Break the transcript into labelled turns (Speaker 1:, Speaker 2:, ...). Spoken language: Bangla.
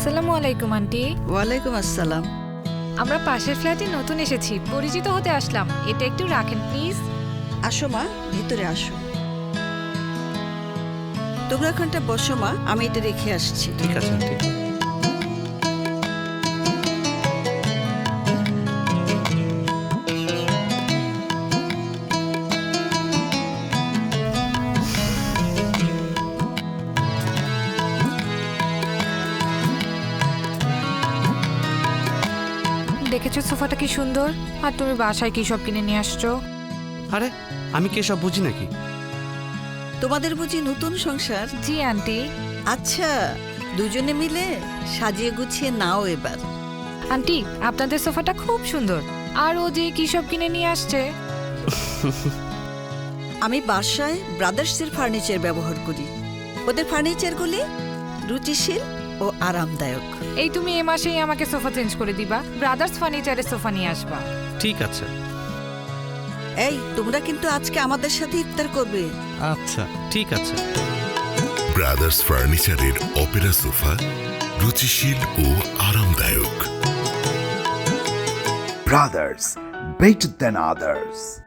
Speaker 1: আসসালামু আলাইকুম আন্টি।
Speaker 2: ওয়ালাইকুম আসসালাম।
Speaker 1: আমরা পাশের ফ্ল্যাটে নতুন এসেছি, পরিচিত হতে আসলাম। এটা একটু রাখেন প্লিজ।
Speaker 2: আসো মা, ভিতরে আসো। তোমরা এখানটা বসো মা, আমি এটা রেখে আসছি।
Speaker 3: ঠিক আছে আন্টি।
Speaker 1: দেখেছো সোফাটা কি সুন্দর? আর তুমি বাসায় কি সব কিনে নিয়ে আসছো?
Speaker 3: আরে আমি কি এসব বুঝি নাকি?
Speaker 2: তোমাদের বুঝি নতুন সংসার?
Speaker 1: জি আন্টি।
Speaker 2: আচ্ছা, দুজনে মিলে সাজিয়ে গুছিয়ে নাও এবার।
Speaker 1: আন্টি, আপনাদের সোফাটা খুব সুন্দর। আর ও যে কি সব কিনে নিয়ে আসছে।
Speaker 2: আমি বাসায় ব্রাদার্সের ফার্নিচার ব্যবহার করি। ওদের ফার্নিচারগুলি রুচিশীল ও আরামদায়ক।
Speaker 1: এই তুমি এ মাসেই আমাকে সোফা চেঞ্জ করে দিবা, ব্রাদার্স ফার্নিচারের সোফা নিয়ে আসবা।
Speaker 3: ঠিক আছে।
Speaker 2: এই, তোমরা কিন্তু আজকে আমাদের সাথে ইফতার করবে।
Speaker 3: আচ্ছা ঠিক আছে।
Speaker 4: ব্রাদার্স ফার্নিচারের অপেরা সোফা, রুচিশীল ও আরামদায়ক।
Speaker 5: Brothers, better than others.